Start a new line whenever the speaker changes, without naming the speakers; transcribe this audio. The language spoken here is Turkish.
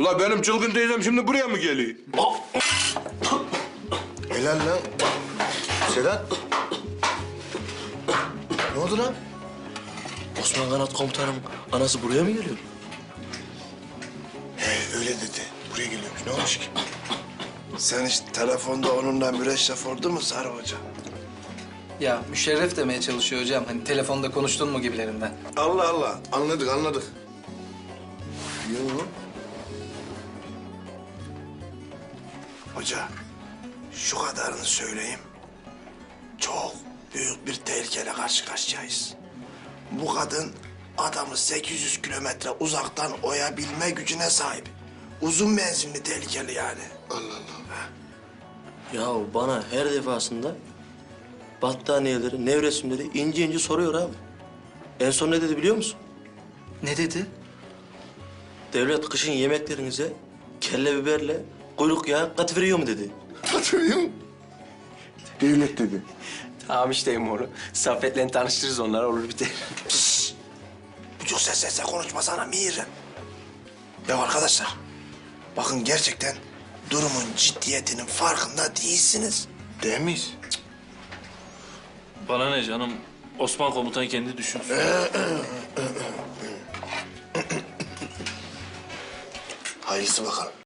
Ula benim çılgın teyzem şimdi buraya mı geliyor?
Helal lan. Sedat. Ne oldu lan?
Osman Kanat komutanım anası buraya mı geliyor?
He öyle dedi. Buraya geliyormuş. Ne olmuş ki? Sen hiç telefonda onunla müreşref oldu mu Sarı Hoca?
Ya müşerref demeye çalışıyor hocam. Hani telefonda konuştun mu gibilerinden.
Allah Allah. Anladık anladık. Yok. Hoca şu kadarını söyleyeyim. Çok büyük bir tehlikeyle karşı karşıyayız. Bu kadın adamı 800 kilometre uzaktan oyabilme gücüne sahip. Uzun menzilli tehlikeli yani. Allah Allah.
Ya bana her defasında battaniyeleri, nevresimleri ince ince soruyor abi. En son ne dedi biliyor musun?
Ne dedi?
Devlet kışın yemeklerinize kelle biberle kuyruk yağı katıveriyor mu dedi.
Hatırlıyor musun? Devlet dedi.
Tamam işte Emoğlu. Saffet'le tanıştırırız onları olur biter.
Buçuk sesle konuşmasana Mihri. Ya arkadaşlar, bakın gerçekten durumun ciddiyetinin farkında değilsiniz. Değil miyiz?
Bana ne canım? Osman komutan kendi düşünsün.
Hayırlısı bakalım.